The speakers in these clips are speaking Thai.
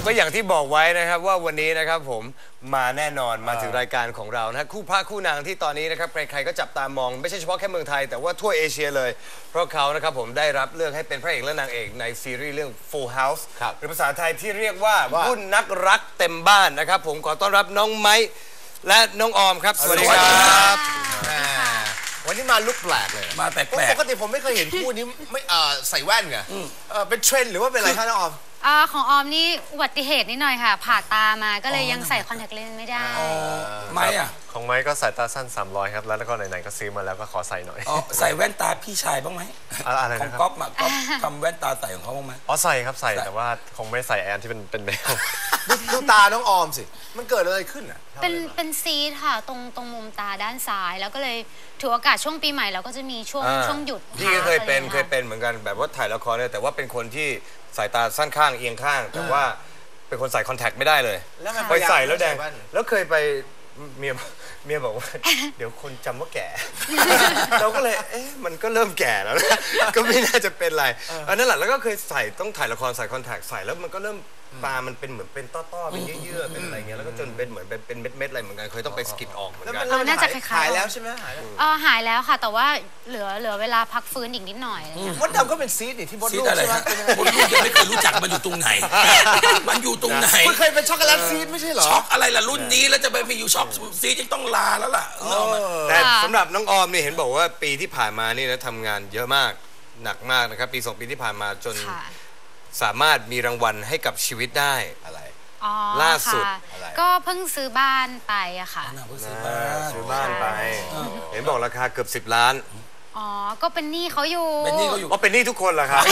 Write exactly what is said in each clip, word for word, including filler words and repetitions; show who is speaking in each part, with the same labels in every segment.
Speaker 1: ก็อย่างที่บอกไว้นะครับว่าวันนี้นะครับผมมาแน่นอนมาถึงรายการของเรานะคู่พระคู่นางที่ตอนนี้นะครับใครๆก็จับตามองไม่ใช่เฉพาะแค่เมืองไทยแต่ว่าทั่วเอเชียเลยเพราะเขานะครับผมได้รับเลือกให้เป็นพระเอกและนางเอกในซีรีส์เรื่อง Full House หรือภาษาไทยที่เรียกว่าหุ้นนักรักเต็มบ้านนะครับผมขอต้อนรับน้องไม้และน้องออมครับสวัสดีครับ
Speaker 2: วันนี้มาลุกแปลกเลย
Speaker 3: มาแปลกๆ
Speaker 2: ปกติผมไม่เคยเห็นคู่นี้ไม่ใส่แว่นไงเป็นเทรนด์หรือว่าเป็นอะไรคะน้องออม
Speaker 4: ของออมนี่อุบัติเหตุนิดหน่อยค่ะผ่าตามาก็เลยยังใส่คอนแทคเลนส์ไม่ได้
Speaker 3: ไม้อะ
Speaker 5: ของไม้ก็สายตาสั้นสามร้อยครับแล้วก็ไหนๆก็ซื้อมาแล้วก็ขอใส่หน่อย
Speaker 3: ใส่แว่นตาพี่ชายบ้างไหม
Speaker 5: อะไร
Speaker 3: ของก๊อฟมาก๊อฟทำแว่นตาใส่ของเขาบ้างไหม
Speaker 5: อ๋อใส่ครับใส่แต่ว่าคงไม่ใส่แอนที่เป็นเป็นแมว
Speaker 2: ดูตาน้องออมสิมันเกิดอะไรขึ้นอ่ะ
Speaker 4: เป็นเป็นซีดค่ะตรงตรงมุมตาด้านซ้ายแล้วก็เลยถือโอกาสช่วงปีใหม่เราก็จะมีช่วงช่วงหยุด
Speaker 1: พี่ก็เคยเป็นเคยเป็นเหมือนกันแบบว่าถ่ายละครเลยแต่ว่าเป็นคนที่สายตาสั้นข้างเอียงข้างแต่ว่าเป็นคนใส่คอนแทคไม่ได้เลยไปใส่แล้วแดงแล้วเคยไปเมียเมียบอกว่าเดี๋ยวคนจำว่าแก่เราก็เลยเอ๊ะมันก็เริ่มแก่แล้วนะก็ไม่น่าจะเป็นไรอันนั้นแหละแล้วก็เคยใส่ต้องถ่ายละครใส่คอนแทคใส่แล้วมันก็เริ่มตามันเป็นเหมือนเป็นต้อๆเป็นเยื่อๆเป็นอะไรเงี้ยแล้วก็จนเป็นเหมือนเป็นเม็ดๆอะไรเหมือนกันเคยต้องไปสกิดออกเหมือนกัน
Speaker 4: น่าจะคล้าย
Speaker 2: ๆแล้วใช่ไหมหาย
Speaker 4: เออหายแล้วค่ะแต่ว่าเหลือเหลือเวลาพักฟื้นอีกนิดหน่อย
Speaker 2: มดดำก็เป็นซีดนี่ที่มดลูกใช่ไหม
Speaker 3: มดลูกยังไม่เคยรู้จักมันอยู่ตรงไหนมันอยู่ตรงไหน
Speaker 2: คุณเคยเป็นช็อกโกแลตซีดไม่ใช่เหรอ
Speaker 3: ช็อกอะไรล่ะรุ่นนี้แล้วจะไปไปอยู่ช็อกซีดยังต้องลาแล้วล่ะ
Speaker 1: แต่สำหรับน้องออมนี่เห็นบอกว่าปีที่ผ่านมานี่นะทำงานเยอะมากหนักมากนะครับปีสองปีที่ผ่านมาจนสามารถมีรางวัลให้กับชีวิตได้
Speaker 2: อะไร
Speaker 1: ล่าสุด
Speaker 4: ก็เพิ่งซื้อบ้านไปอะค่ะ
Speaker 1: ซื้อบ้านซื้อบ้านไปเห็นบอกราคาเกือบสิบล้าน
Speaker 4: อ๋อก็เป็นหนี้เขาอยู่
Speaker 3: เป็นหนี้เขาอยู่
Speaker 1: ก็เป็นหนี้ทุกคนเหรอครับ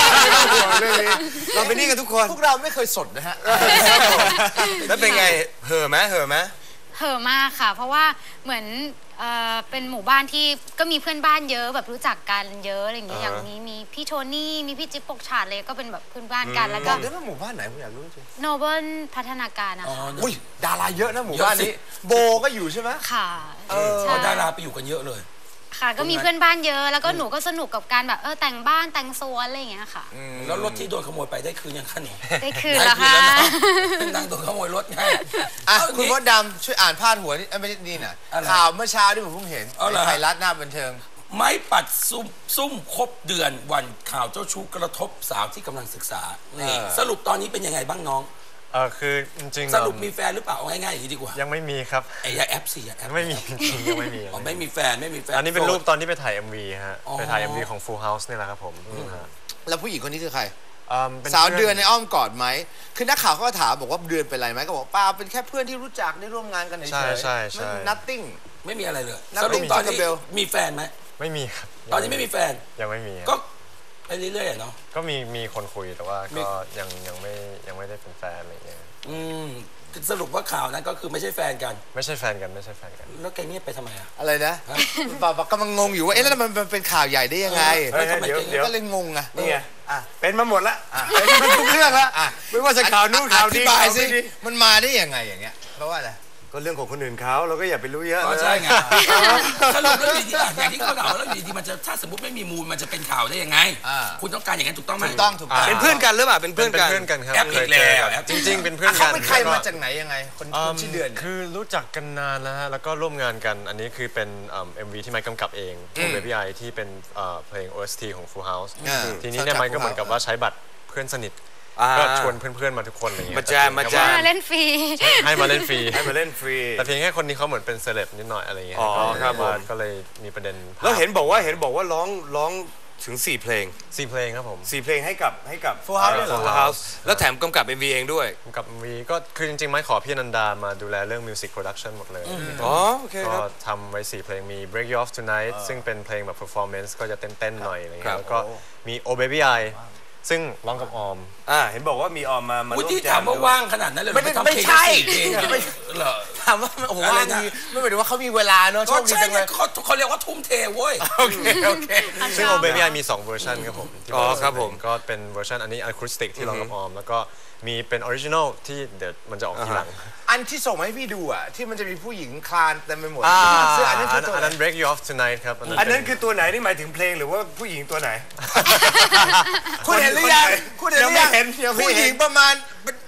Speaker 1: เราเป็นหนี้กันทุกคน
Speaker 2: พวกเราไม่เคยสดนะฮะ
Speaker 1: แล้วเป็นไงเห่อไหมเห่อไหม
Speaker 4: เห่อมากค่ะเพราะว่าเหมือนเป็นหมู่บ้านที่ก็มีเพื่อนบ้านเยอะแบบรู้จักกันเยอะอะไรอย่างเงี้ยอย่างนี้มีพี่โทนี่มีพี่จิ๊บปกฉาดเลยก็เป็นแบบเพื่อนบ้านกันแล้วก็
Speaker 2: ได้ว่าหมู่บ้านไหนผมอยากรู้จริง
Speaker 4: โนเบิลพัฒนาการนะคะ
Speaker 2: อุ้ยดาราเยอะนะหมู่บ้านนี้โบก็อยู่ใช่ไหม
Speaker 4: ค่ะ
Speaker 3: เออดาราไปอยู่กันเยอะเลย
Speaker 4: ค่ะก็มีเพื่อนบ้านเยอะแล้วก็หนูก็สนุกกับการแบบเออแต่งบ้านแต่งสวนอะไรอย่างเงี้ยค่ะ
Speaker 3: แล้วรถที่โดนขโมยไปได้คืนยังคะหนู
Speaker 4: ได้คืนแล้วค่ะ
Speaker 3: นั่งโดนขโมยรถไง
Speaker 2: คุณมดดำช่วยอ่านพาดหัวนี่ไม่ใช่นี่น่ะข่าวเมื่อเช้าที่ผมเพิ่งเห็นในไทยรัฐหน้าบันเทิง
Speaker 3: ไม้ปัดซุ่มซุ่มครบเดือนวันข่าวเจ้าชู้กระทบสาวที่กำลังศึกษานี่สรุปตอนนี้เป็นยังไงบ้างน้อง
Speaker 5: เออคือจริง
Speaker 3: ๆสรุปมีแฟนหรือเปล่าง่ายๆอย่างนี้ดีกว่า
Speaker 5: ยังไม่มีครับ
Speaker 3: ไอ้ยาแอปสิยาแอป
Speaker 5: ไม่มีจริงยังไม่มี
Speaker 3: อ๋อไม่มีแฟนไม่มีแฟน
Speaker 5: อันนี้เป็นรูปตอนที่ไปถ่าย เอ็ม วี ฮะไปถ่าย เอ็ม วี ของ Full House นี่แหละครับผม
Speaker 2: แล้วผู้หญิงคนนี้คือใครสาวเดือนในอ้อมกอดไหมคือนักข่าวเขาก็ถามบอกว่าเดือนเป็นไรไหมก็บอกป้าเป็นแค่เพื่อนที่รู้จักได้ร่วมงานกันเฉยๆใช่
Speaker 5: ใช่ใช่
Speaker 2: nothing
Speaker 3: ไม่มีอะไรเลยสรุปตอนนี้มีแฟนไหม
Speaker 5: ไม่มีครับ
Speaker 3: ตอนนี้ไม่มีแฟน
Speaker 5: ยังไม่มี
Speaker 3: ก็ไปเรื่อยๆเนาะ
Speaker 5: ก็มีมีคนคุยแต่ว่าก็ยังยังไม่ยังไม่ได้เป็นแฟนอะไรอย่างเงี้ย
Speaker 3: อืมสรุปว่าข่าวนั้นก็คือไม่ใช่แฟนกัน
Speaker 5: ไม่ใช่แฟนกันไม่ใช่แฟนกัน
Speaker 3: แล้วแกเงียบไปทำไมอะ
Speaker 2: อะไรนะป่าวกำลังงงอยู่ว่าเอ๊ะแล้วมันเป็นข่าวใหญ่ได้ยังไง
Speaker 1: เดี๋ยวเดี๋ยว
Speaker 2: ก็เลยงงอะ
Speaker 1: นี่ไงเป็นมาหมดละเป็นมาทุกเรื่องละไม่ว่าจะข่าวนู้นข่าวนี้
Speaker 2: อธิบายสิมันมาได้ยังไงอย่างเงี้ยเพราะว่าอะไร
Speaker 1: ก็เรื่องของคนอื่นเขาเราก็อย่าไปรู้เยอะ
Speaker 3: ใช่ไงสรุปแล้วอยู่ดีอย่างที่เขาถามแล้วอยู่ดีมันจะถ้าสมมติไม่มีมูลมันจะเป็นข่าวได้ยังไงคุณต้องการอย่างนั้นถูกต้องไหม
Speaker 2: ถูกต้องถูกต้อง
Speaker 1: เป็นเพื่อนกันหรือเปล่าเป็นเพื่อนกัน
Speaker 5: เพื่อนกันครับ
Speaker 3: แอปอีกแล้ว
Speaker 5: จริงๆเป็นเพื่อนกัน
Speaker 2: เขาเป็นใครมาจากไหนยังไงคนชื่อเดือน
Speaker 5: คือรู้จักกันนานแล้วฮะแล้วก็ร่วมงานกันอันนี้คือเป็น เอ็ม วี ที่ไมค์กำกับเองของ Baby I ที่เป็นเพลง โอ เอส ที ของ Full House ทีนี้เนี่ยไมค์ก็เหมือนกับว่าใช้บัตรเพื่อนสนิทก็ชวนเพื่อนๆมาทุกคนอะไรเงี้ย
Speaker 1: มาแจมมาแจม
Speaker 4: เล่นฟรี
Speaker 5: ให้มาเล่นฟรี
Speaker 1: ให้มาเล่นฟรี
Speaker 5: แต่เพียงแค่คนนี้เขาเหมือนเป็นเซเลบนิดหน่อยอะไรเงี้ยก็เลยมีประเด็น
Speaker 1: แล้วเห็นบอกว่าเห็นบอกว่าร้องร้องถึงสี่เพลง
Speaker 5: สี่เพลงครับผม
Speaker 1: สี่เพลงให้กับให้กับ
Speaker 2: Full House
Speaker 1: Full House แล้วแถมกำกับ เอ็ม วี เองด้วย
Speaker 5: กำกับ เอ็ม วี ก็คือจริงๆไม่ขอพี่นันดามาดูแลเรื่อง Music Production หมดเลย
Speaker 1: อ๋อโอเคครับ
Speaker 5: ก็ทำไว้สี่เพลงมี Break You Off Tonight ซึ่งเป็นเพลงแบบ performance ก็จะเต้นๆหน่อยอะไรเงี้ยแล้วก็มี Oh Baby Iซึ่งร้องกับออม
Speaker 1: อ่าเห็นบอกว่ามีออมมามาร่วม
Speaker 3: แจมถามว่าว่างขนาดนั้นเลย
Speaker 2: ไม่ไม่ใช่
Speaker 3: เหรอ
Speaker 2: ถามว่าโอ้โหว่างมีไม่หมายถึงว่าเขามีเวลาเนาะ
Speaker 3: ชอบดีจังเลยเขาเขาเรียกว่าทุ่มเทเว้ย
Speaker 2: โอเคโอเค
Speaker 5: ซึ่งโอเบบี้มีสองเวอร์ชันครับผม
Speaker 1: อ๋อครับผม
Speaker 5: ก็เป็นเวอร์ชันอันนี้อะคูสติกที่ร้องกับออมแล้วก็มีเป็นออริจินอลที่เดี๋ยวมันจะออกทีหลัง
Speaker 2: อันที่ส่งมาให้พี่ดูอ่ะที่มันจะมีผู้หญิงคลานเต็มไปหมด
Speaker 5: เสื้ออันนั้นคือตัวอันนั้น Break You Off Tonight ครับ
Speaker 1: อันนั้นคือตัวไหนนี่หมายถึงเพลงหรือว่าผู้หญิงตัวไหน
Speaker 2: คุณเห็นหรือยังคุณเห็นหรือยังผู้หญิงประมาณ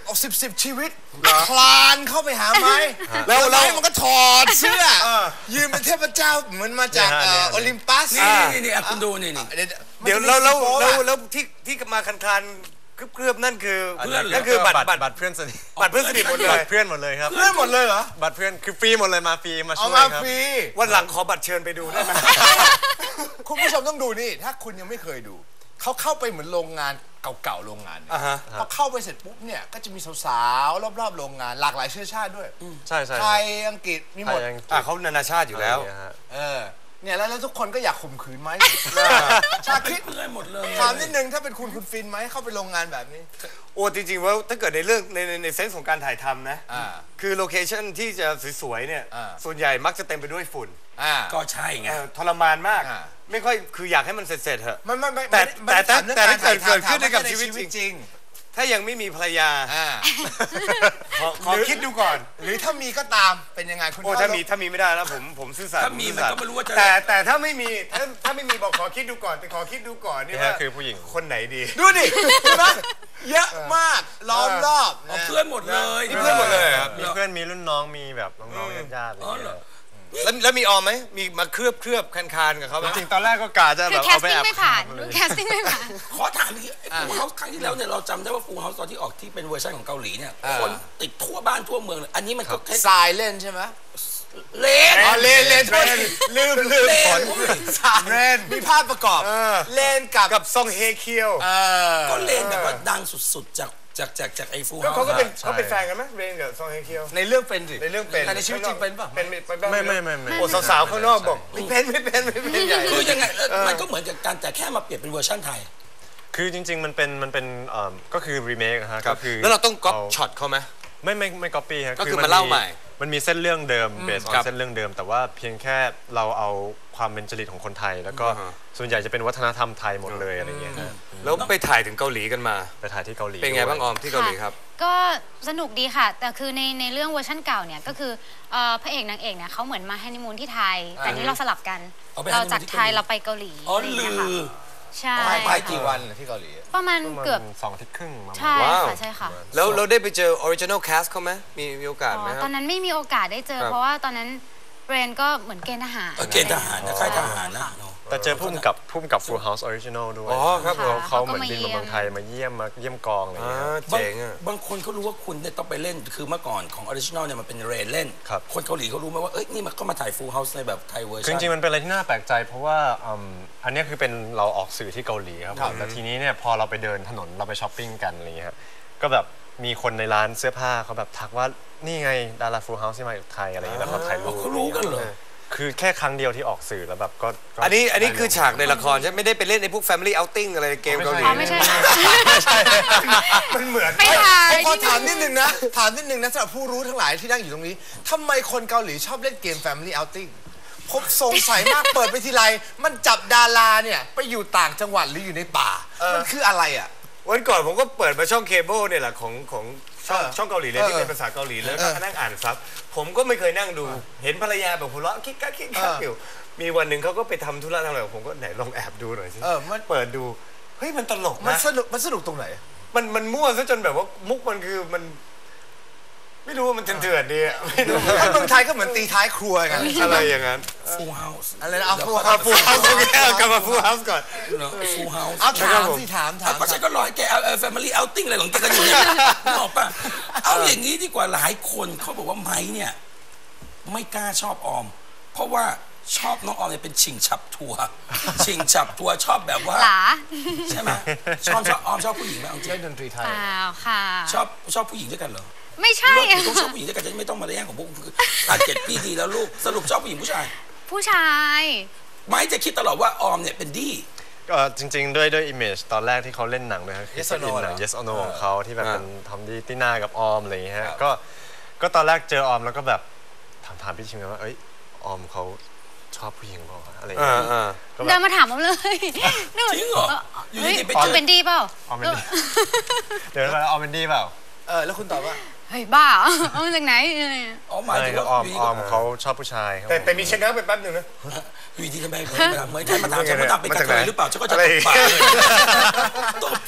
Speaker 2: เอาสิบสิบชีวิตคลานเข้าไปหาไม้
Speaker 1: แล้ว
Speaker 2: แล้ว
Speaker 1: แล้ว
Speaker 2: มันก็ถอดเสื้อยืนเป็นเทพเจ้าเหมือนมาจากเอ่อโอลิมปัส
Speaker 3: นี่นี่นี่คุณดูนี่นี่
Speaker 1: เดี๋ยวแล้วแล้วแล้วแล้วที่ที่มาคันคานเคลือบๆนั่นคือ
Speaker 3: เพื่อน
Speaker 1: นั่นคือบัตรบัตร
Speaker 5: บัตรเพื่อนสนิท
Speaker 1: บัตรเพื่อนสนิทหมดเล
Speaker 5: บั
Speaker 1: ย
Speaker 5: ตรเพื่อนหมดเลยครับ
Speaker 2: เพื่อนหมดเลยเหรอ
Speaker 5: บัตรเพื่อนคือฟรีหมดเลยมาฟรีมา
Speaker 2: เอา
Speaker 5: ช่วย
Speaker 2: มา
Speaker 5: ครับ
Speaker 2: ฟรี
Speaker 1: วันหลังขอบัตรเชิญไปดูได้ไหม
Speaker 2: คุณผู้ชมต้องดูนี่ถ้าคุณยังไม่เคยดูเขาเข้าไปเหมือนโรงงานเก่าๆโรงงานเนี่ย
Speaker 1: อ่าฮะ
Speaker 2: พอเข้าไปเสร็จปุ๊บเนี่ยก็จะมีสาวๆรอบๆโรงงานหลากหลายเชื้อชาติด้วย
Speaker 5: ใช่ใช่
Speaker 2: ไทยอังกฤษมีหมด
Speaker 5: ไทยอังกฤษ
Speaker 1: อ่ะเขานานาชาติอยู่แล้ว
Speaker 5: ะไรางเงี้ยฮะ
Speaker 2: เออเนี่ยแล้วแล้วทุกคนก็อยากข่มขืนไหมชาคิด
Speaker 3: เพื่อนหมดเลย
Speaker 2: ถามนิดนึงถ้าเป็นคุณคุณฟินไหมเข้าไปโรงงานแบบนี้
Speaker 1: โอ้จริงๆว่าถ้าเกิดในเรื่องในในในเซนส์ของการถ่ายทำนะ
Speaker 2: อ่า
Speaker 1: คือโลเคชั่นที่จะสวยๆเนี่ย
Speaker 2: อ่า
Speaker 1: ส่วนใหญ่มักจะเต็มไปด้วยฝุ่น
Speaker 2: อ่า
Speaker 3: ก็ใช่ไง
Speaker 1: เออทรมานมาก
Speaker 2: อ่า
Speaker 1: ไม่ค่อยคืออยากให้มันเสร็จๆเถอะ
Speaker 2: มันไม่ไม่
Speaker 1: แต่
Speaker 2: ไม่
Speaker 1: แต่
Speaker 2: ไม่
Speaker 1: แต่
Speaker 2: ได้ถาม
Speaker 1: แต่ถ้าเกิด
Speaker 2: รื่อง
Speaker 1: เกิดขึ้น
Speaker 2: ถ่าย
Speaker 1: กับ
Speaker 2: ทำ
Speaker 1: ชีวิต
Speaker 2: ใน
Speaker 1: จริง ถ้ายังไม่มีภรรยา
Speaker 2: อ่า
Speaker 1: ขอขอคิดดูก่อน
Speaker 2: หรือถ้ามีก็ตามเป็นยังไงคุณ
Speaker 1: โอ้ถ้ามีถ้ามีไม่ได้แล้วผมผมซื่อสัตย์
Speaker 3: ถ้ามี
Speaker 1: ผซื่อสัตย์
Speaker 3: มันก็ไม่รู้ว่าจะ
Speaker 1: แต่แต่ถ้าไม่มีถ้าถ้าไม่มีบอกขอคิดดูก่อนแต่ขอคิดดูก่อนนี่
Speaker 5: นี่
Speaker 1: ว่า
Speaker 5: ฮะคือผู้หญิง
Speaker 1: คนไหนดี
Speaker 2: ดูดิเห็นไหมเยอะมากล้อมรอบ
Speaker 3: เอา
Speaker 2: นะ
Speaker 3: เพื่อนหมดเลย
Speaker 1: นี่เพื่อนหมดเลยครับ
Speaker 5: มีเพื่อนมีรุ่นน้องมีแบบน้องๆญาติๆอะไร
Speaker 3: อ๋อ
Speaker 5: อย่าง
Speaker 3: เหร
Speaker 5: เงี้
Speaker 3: อย
Speaker 1: แล้วแล้วมีออมไหมมีมาเคลือบเคลือบคันคานกับเขาไหม
Speaker 5: จริงๆตอนแรกก็กะจะ
Speaker 4: คื
Speaker 5: แบ
Speaker 4: อบ แค
Speaker 5: เอา
Speaker 4: ส
Speaker 5: ไป
Speaker 4: ติ้ง
Speaker 5: แอบ
Speaker 4: ไม่ผ่าน
Speaker 5: ทำเลย
Speaker 4: แคสติ้งไม่ผ่าน
Speaker 3: ขอถามอีกฟูเฮาส์ครั้งที่แล้วเนี่ยเราจำได้ว่าฟูเฮาส์ตอนที่ออกที่เป็นเวอร์ชันของเกาหลีเนี่ยคนติดทั่วบ้านทั่วเมืองเลยอันนี้มันก็แค่
Speaker 2: ทรายเล่นใช่ไหม
Speaker 3: เลน
Speaker 2: อ๋อเล่นเล่นโทษทีลืมลืม
Speaker 3: เล
Speaker 2: ผ
Speaker 3: น
Speaker 2: ลสายมีภาพประกอบ
Speaker 1: เออ
Speaker 2: เล่นกับ
Speaker 1: กับซองเฮเคียว
Speaker 2: เออ
Speaker 3: ก็เลนแบบว่าดังสุดๆจากจากจากจากไอ้ฟู
Speaker 1: ก็
Speaker 3: เฮา
Speaker 1: เขา
Speaker 3: ส์
Speaker 1: ก็เป็น
Speaker 5: ใช่
Speaker 1: เขาเป็นแฟนกันไหมเรนกับซองเฮเคียว
Speaker 2: ในเรื่องเป็นสิ
Speaker 1: ในเรื่องเป็น
Speaker 2: แต่ในชีวิตจริงเป็นป่ะ
Speaker 1: เป็นเป็นบ้าง
Speaker 5: ไม่ไม่ไม่ไม่
Speaker 1: โอ้สาวๆข้างนอกบอกไม่เป็นไม่เป็นไม่เป็นใหญ่
Speaker 3: คือยังไงเออมันก็เหมือนกับการแต่แค่มาเปลี่ยนเป็นเวอร์ชันไทย
Speaker 5: คือจริง ๆ มันเป็นมันเป็นเอ่อก็คือรีเมคฮะ
Speaker 1: ครับ
Speaker 5: ก็คือ
Speaker 1: แล้วเราต้องก๊อป
Speaker 5: า
Speaker 1: ช็อตเขาไหม
Speaker 5: ไม่ไม่ไม่ก๊อปปี้ฮะ
Speaker 1: ก็คือมาเล่าใหม่
Speaker 5: มันมีเส้นเรื่องเดิมเบสออ
Speaker 1: ครั
Speaker 5: น
Speaker 1: บ
Speaker 5: เส้นเรื่องเดิม แต่ว่าเพียงแค่เราเอาความเป็นจริตของคนไทย แล้วก็
Speaker 1: อ่าฮะ
Speaker 5: ส่วนใหญ่จะเป็นวัฒนธรรมไทยหมดเลยอะไรเงี้ยฮะ
Speaker 1: แล้วไปถ่ายถึงเกาหลีกันมา
Speaker 5: ไปถ่ายที่เกาหลี
Speaker 1: เป็นไง
Speaker 5: ด้วย
Speaker 1: บ้างออมที่เกาหลีครับ
Speaker 4: ก็สนุกดีค่ะ แต่คือในในเรื่องเวอร์ชั่นเก่าเนี่ยก็คือเอ่อพระเอกนางเอกเนี่ยเขาเหมือนมาฮันนีมูนที่ไทย แต่นี่เราสลับกัน
Speaker 3: เอาไป
Speaker 4: เรา
Speaker 3: ฮันนีมูน
Speaker 4: จาก
Speaker 3: ที่
Speaker 4: ไทย
Speaker 3: เกาหลี
Speaker 4: เราไปเกาหลี
Speaker 3: อ๋อ
Speaker 4: อะไรอย่าง
Speaker 3: ลื
Speaker 4: เงี้ยค่ะ
Speaker 3: อ
Speaker 4: ใช่
Speaker 2: ไป
Speaker 4: ค่ะ
Speaker 2: กี่วันที่เกาหลี
Speaker 4: ประมาณ
Speaker 5: ประมาณ
Speaker 4: เกือบ
Speaker 5: สองอาทิตย์ครึ่งประมาณ
Speaker 4: ใช่
Speaker 1: ว้าว
Speaker 4: ค่ะใช่ค่ะ
Speaker 1: แล้วเราได้ไปเจอออริจินอลแคสเขาไหมมีมีโอกาส
Speaker 4: อ๋
Speaker 1: ไหม
Speaker 4: อ
Speaker 1: ค
Speaker 4: ต
Speaker 1: รั
Speaker 4: อบ นนั้นไม่มีโอกาสได้เจอ
Speaker 1: ครับ
Speaker 4: เพราะว่าตอนนั้นเบรนก็เหมือนเกณฑ์ทหาร
Speaker 3: เออเกณฑ์ทหารนะค่ายทหารนะเนอะ
Speaker 5: แต่เจอพุ่มกับพุ่มกับ Full House Original ด้วย
Speaker 1: อ๋อครับผม
Speaker 5: เขาเหมือนบินมาเมืองไทยมาเยี่ยมมาเยี่ยมกองอะไร
Speaker 1: อ่า
Speaker 5: เงี้ย
Speaker 3: บาง
Speaker 1: เจ๋งอ่ะ
Speaker 3: บางคนเขารู้ว่าคุณเนี่ยต้องไปเล่นคือเมื่อก่อนของออริจินอลเนี่ยมันเป็นเรนเล่น
Speaker 5: ครับ
Speaker 3: คนเกาหลีเขารู้ไหมว่าเอ้ยนี่มันก็มาถ่ายฟูลเฮาส์ในแบบไทยเวอร์
Speaker 5: คือ
Speaker 3: ชั
Speaker 5: จ
Speaker 3: น
Speaker 5: ริงๆมันเป็นอะไรที่น่าแปลกใจเพราะว่าอืมอันเนี้ยคือเป็นเราออกสื่อที่เกาหลีครับผมแล้วทีนี้เนี่ยพอเราไปเดินถนนเราไปช้อปปิ้งกันอะไรเงี้ยฮะก็แบบมีคนในร้านเสื้อผ้าเขาแบบทักว่านี่ไงดารา Full House ที่มาจากไทยอะไรเงี้ยแล้วเขาถ่ายรูป
Speaker 3: เขารู้กันเหรอ
Speaker 5: คือแค่ครั้งเดียวที่ออกสื่อแล้วแบบก็ก็
Speaker 1: อันนี้อันนี้คือฉากในละครใช่ไหมไม่ได้ไปเล่นในพวก Family Outing อะไรเกมเกาหลี
Speaker 4: อ๋อไม่ใช่
Speaker 1: มันเหมือน
Speaker 4: ไปถ่าย
Speaker 2: ผมขอถามนิดนึงนะ ถามนิดนึงนะสำหรับผู้รู้ทั้งหลายที่นั่งอยู่ตรงนี้ทำไมคนเกาหลีชอบเล่นเกม Family Outing ผมสงสัยมาก เปิดไปทีไรมันจับดาราเนี่ยไปอยู่ต่างจังหวัดหรืออยู่ในป่า มันคืออะไรอ่ะ
Speaker 1: วันก่อนผมก็เปิดมาช่องเคเบิลเนี่ยแหละของของช่อง
Speaker 2: เออ
Speaker 1: ช่องเกาหลีเลยที่
Speaker 2: เออ
Speaker 1: เป็นภาษาเกาหลีแล้ว
Speaker 2: เอ
Speaker 1: ก็
Speaker 2: อ
Speaker 1: นั่งอ่านซับผมก็ไม่เคยนั่งดู เห็นภรรยาแบบหัวเราะคิกคักคิกคัก
Speaker 2: เออ
Speaker 1: อ
Speaker 2: อ
Speaker 1: ยู่มีวันหนึ่งเขาก็ไปทำธุระทำอะไรผมก็ไหนลองแอบดูหน่อยสิ
Speaker 2: เออมัน
Speaker 1: เปิดดูเฮ้ยมันตลก
Speaker 2: มัน
Speaker 1: นะ
Speaker 2: สนุกมันสนุกตรงไหน
Speaker 1: มันมันมั่วซะจนแบบว่ามุกมันคือมัน ไม่รู้ว่ามันเถื่อนๆดีอะไม่รู้
Speaker 2: ถ้าเมืองไทยก็เหมือนตีท้ายครัวกัน
Speaker 1: อะไรอย่างนั้น
Speaker 3: ฟูลเฮาส์
Speaker 2: อะไรนะเอาฟู
Speaker 1: เอาฟูลเฮาส์โอเคเอากลับมาฟูลเฮาส์ก่อน
Speaker 3: ฟูลเฮาส์
Speaker 2: เอาถา
Speaker 1: ครั
Speaker 2: ม
Speaker 1: บผม
Speaker 2: สิถามถาม
Speaker 3: ก็ฉันก็รอให้แกเอาแฟมิลี่เอาติ้งอะไรของแกกันอยู่เนี่ยนึกออกป่ะเอาอย่างนี้ดีกว่าหลายคนเขาบอกว่าไม้เนี่ยไม่กล้าชอบออม เพราะว่าชอบน้องออมเนี่ยเป็นชิงฉับทัวร์ชิงฉับทัวร์ชอบแบบว่า
Speaker 4: หลา
Speaker 3: ใช่ไหมชอบชอบออมชอบผู้หญิงไหมเอาจริ
Speaker 2: เล่น
Speaker 3: ง
Speaker 2: ดนตรีไทย
Speaker 4: เปล่าค่ะ
Speaker 3: ชอบชอบผู้หญิงด้วยกันเหรอ
Speaker 4: ไม่ใช่
Speaker 3: เลิกต้องชอบผู้หญิงด้วยกันจะไม่ต้องมาแย่งของพวกคุณคือตัดเจ็ดปีดีแล้วลูกสรุปชอบผู้หญิงผู้ชาย
Speaker 4: ผู้ชาย
Speaker 3: ไม้จะคิดตลอดว่าออมเนี่ยเป็นดี้
Speaker 5: ก็จริงๆด้วยด้วยอิมเมจตอนแรกที่เขาเล่นหนังด้วยครับคือ
Speaker 2: Yes
Speaker 5: ส
Speaker 2: or No
Speaker 5: กินหนัง
Speaker 2: เหรอ
Speaker 5: Yes or No ของเขาที่แบบ
Speaker 1: อ่า
Speaker 5: เป็นทอมดี้ติน่ากับออมอะไรอย่างเงี้ยฮะก็ก็ตอนแรกเจอออมแล้วก็แบบถามถามพี่ชิมกันว่าเอ้ยออมเขาชอบผู้หญิงเปล่าวะอะไรอย่าง
Speaker 1: อ่า
Speaker 5: เงี้ย
Speaker 1: อ่า
Speaker 5: ก็แบ
Speaker 4: เดิน
Speaker 5: บ
Speaker 4: มาถามผมเลย
Speaker 3: จริงเหรออยู่
Speaker 4: เฮ้ย
Speaker 3: ดีๆไป
Speaker 4: ออ
Speaker 3: เจ
Speaker 4: ม
Speaker 3: อ
Speaker 4: เป็นดีเปล่า
Speaker 5: ออมเป็นดี เดินมาออมเป็นดีเปล่า
Speaker 2: เออแล้วคุณตอบว่า
Speaker 4: เฮ้ยบ้าเหรอเอามาจากไหนเออ
Speaker 3: อ๋อหมาย
Speaker 5: ไม่
Speaker 3: ถึง
Speaker 5: ครั
Speaker 3: ว่า
Speaker 5: บออม
Speaker 3: ยู่ดี
Speaker 5: ออมเขาชอบผู้ชายครับ
Speaker 1: แต่
Speaker 5: ผม
Speaker 1: แต่มีชะงักไปแป๊บหนึ่งนะ
Speaker 3: อยู่ดีทำไมเหมือนเหมือนใครมาถามฉันว่าดำเป็นกระเทยหรือเปล่าฉันก็จะ
Speaker 1: อะไร
Speaker 3: ตบปากเลยตบ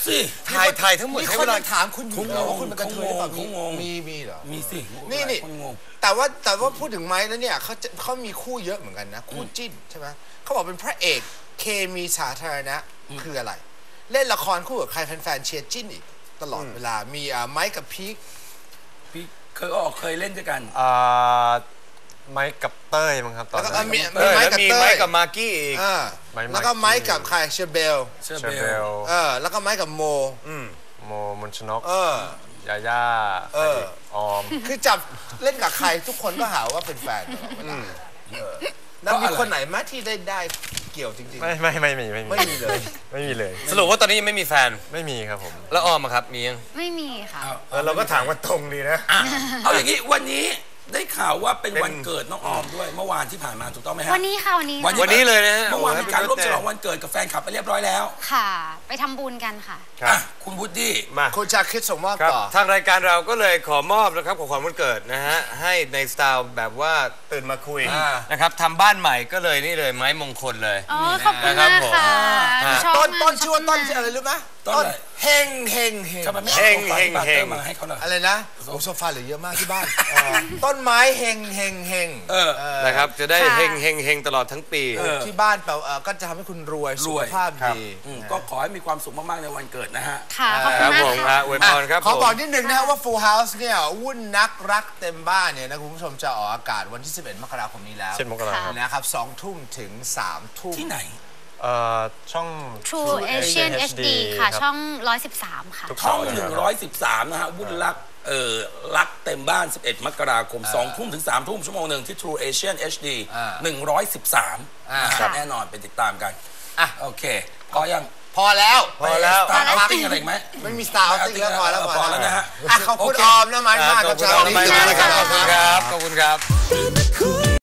Speaker 3: สิ
Speaker 1: ถ่ายถ่ายทั้งหมด
Speaker 2: มี
Speaker 1: ใช้
Speaker 2: ค
Speaker 1: เวน ลา
Speaker 2: ถามคุณอยู่เหรอว่าคุณเป็นกระเทยหรือเปล่า
Speaker 3: เขางง
Speaker 2: มีมีเหรอ
Speaker 3: มีสิ
Speaker 2: นี่นี่
Speaker 3: คนงง
Speaker 2: แต่ว่าแต่ว่าพูดถึงไม้แล้วเนี่ยเขาจะเขามีคู่เยอะเหมือนกันนะ คู่จิ้นใช่ไหมเขาบอกเป็นพระเอกเคมีสาธารณะคืออะไร เล่นละครคู่กับใครแฟนๆเชียร์จิ้นอีกตลอดเวลามีอ่าไม้กับพีค
Speaker 3: พี่เคยออกเคยเล่นด้วยกัน
Speaker 5: อ่าไมค์กับเต้ยมั้งครับตอน
Speaker 2: แล้วก็
Speaker 5: นั้น
Speaker 2: มี
Speaker 1: เออ
Speaker 2: ไม้
Speaker 1: แล้ว
Speaker 2: กับ
Speaker 1: มี
Speaker 2: เต้
Speaker 1: ไม้
Speaker 2: ย
Speaker 1: กับมากกี้อีก
Speaker 2: อ่า
Speaker 5: ไม้
Speaker 2: แล้วก็
Speaker 5: มากกี้
Speaker 2: ไม้กับใครเชอร์เบล
Speaker 3: เชอร์
Speaker 5: เชอร์
Speaker 3: เบ
Speaker 5: เบ
Speaker 3: ล
Speaker 5: ล
Speaker 2: เออแล้วก็ไม้กับโม
Speaker 1: อืม
Speaker 5: โมมนชนก
Speaker 2: เออ
Speaker 5: ยาย่า
Speaker 2: เออ
Speaker 5: ออม
Speaker 2: คือจับเล่นกับใครทุกคนก็หาว่าเป็นแฟนตลอดเวลาเออแล้วมีคนไหนไหมที่ได้ได้เกี่ยวจริง
Speaker 5: ไม่ไม่ไม่มีไม่มี
Speaker 2: ไม่มีเลย
Speaker 5: ไม่มีเลย
Speaker 1: สรุปว่าตอนนี้ยังไม่มีแฟน
Speaker 5: ไม่มีครับผม
Speaker 1: แล้วออมอะครับมียัง
Speaker 4: ไม่มีค่ะ
Speaker 1: เออเราก็ถามว่าตรงดีนะ
Speaker 3: อ่ะเอาอย่างนี้วันนี้ได้ข่าวว่าเป็น
Speaker 1: เป็น
Speaker 3: วันเกิดน้องออมด้วยเมื่อวานที่ผ่านมาถูกต้องไหมฮะ
Speaker 4: วันนี้ค่ะวันนี้
Speaker 1: วันนี้เลยนะฮะ
Speaker 3: เมื่อวานมีการร่วม
Speaker 1: โอ้โห
Speaker 3: ฉลองวันเกิดกับแฟนคลับไปเรียบร้อยแล้ว
Speaker 4: ค่ะ ไปทำบุญกันค่ะ
Speaker 1: ครับ
Speaker 3: อ่ะคุณวูดดี้
Speaker 1: มา
Speaker 2: คุณชาคิดส่งมอบ
Speaker 1: ครับ
Speaker 2: ต่อ
Speaker 1: ทางรายการเราก็เลยขอมอบนะครับของขวัญวันเกิดนะฮะให้ในสไตล์แบบว่าตื่นมาคุย
Speaker 2: อ่า
Speaker 1: นะครับทำบ้านใหม่ก็เลยนี่เลยไม้มงคลเลย
Speaker 4: อ๋อ ขอบคุณ
Speaker 1: นะครับ
Speaker 4: มาก
Speaker 1: ผม
Speaker 4: ค่ะ
Speaker 1: อ่า
Speaker 4: ชอบ
Speaker 2: ต้น
Speaker 4: มาก
Speaker 2: ต้นชื่อว่าต้น
Speaker 4: ชบมก
Speaker 2: อะไรรู้ไหม
Speaker 3: ต้นอะไร
Speaker 2: เฮงเฮงเฮง
Speaker 3: ทำไมไม่
Speaker 1: เฮ
Speaker 3: เอา
Speaker 1: ง
Speaker 3: โซฟา
Speaker 1: เฮง
Speaker 3: ที่ปาเตอร์
Speaker 1: เฮง
Speaker 3: มาให้เขาล่ะ
Speaker 2: อะไรนะโอ้โซฟาเหลือเยอะมากที่บ้านเออต้นไม้เฮงเฮงเฮง
Speaker 3: เออ
Speaker 1: นะครับจะได้
Speaker 4: ค่ะ
Speaker 1: เฮงเฮงเฮงตลอดทั้งปี
Speaker 3: เออ
Speaker 2: ที่บ้านแปลว่าเอ่อก็จะทำให้คุณรวยสุขภาพดี
Speaker 3: อืมก็ขอให้มีความสุขมากๆในวันเกิดนะฮะ
Speaker 4: ค่ะ ขอบ
Speaker 1: ค
Speaker 4: คุณ
Speaker 1: รับ
Speaker 4: มาก
Speaker 1: ผม
Speaker 4: ค่ะ
Speaker 1: อ่ะอวยพรครับ
Speaker 2: ขอ
Speaker 1: ผม
Speaker 2: บอกนิดนึงนะครับว่า Full House เนี่ยวุ่นนักรักเต็มบ้านเนี่ยนะคุณผู้ชมจะออกอากาศวันที่ สิบเอ็ด มกราคมนี้แล้ว
Speaker 5: เช่นมกราครับ
Speaker 2: นะครับสองทุ่มถึงสามทุ่ม
Speaker 3: ที่ไหน
Speaker 5: เอ่อช่อง
Speaker 4: True Asian เอช ดี ค่ะ ช่อง หนึ่งร้อยสิบสาม ค่ะ
Speaker 3: ช่องหนึ่งร้อยสิบสามนะฮะวุ่นรักเอ่อรักเต็มบ้าน สิบเอ็ด มกราคมสองทุ่มถึงสามทุ่มชั่วโมงหนึ่งที่ True Asian เอช ดี
Speaker 2: อ่า
Speaker 3: หนึ่งร้อยสิบสาม
Speaker 2: อ่า
Speaker 3: นะครับแน่นอนไปติดตามกัน
Speaker 2: อ่ะ
Speaker 3: โอเคพอยัง
Speaker 2: พอแล้ว
Speaker 1: พอแล้ว
Speaker 3: ตาร์ติ้งอะไรอีกไหม
Speaker 2: ไม่มี Star Outing แล้วพอแล้ว
Speaker 3: พอแล้วนะฮะ
Speaker 2: อ่ะขอบคุณ
Speaker 3: โอเค
Speaker 2: ออมนะไม้มาก
Speaker 1: ข
Speaker 2: กั
Speaker 1: อ
Speaker 2: บบ
Speaker 1: คุณ
Speaker 2: เช้า
Speaker 1: ออม
Speaker 2: นี้
Speaker 1: มากนะครับขอบคุณครับขอบคุณครับ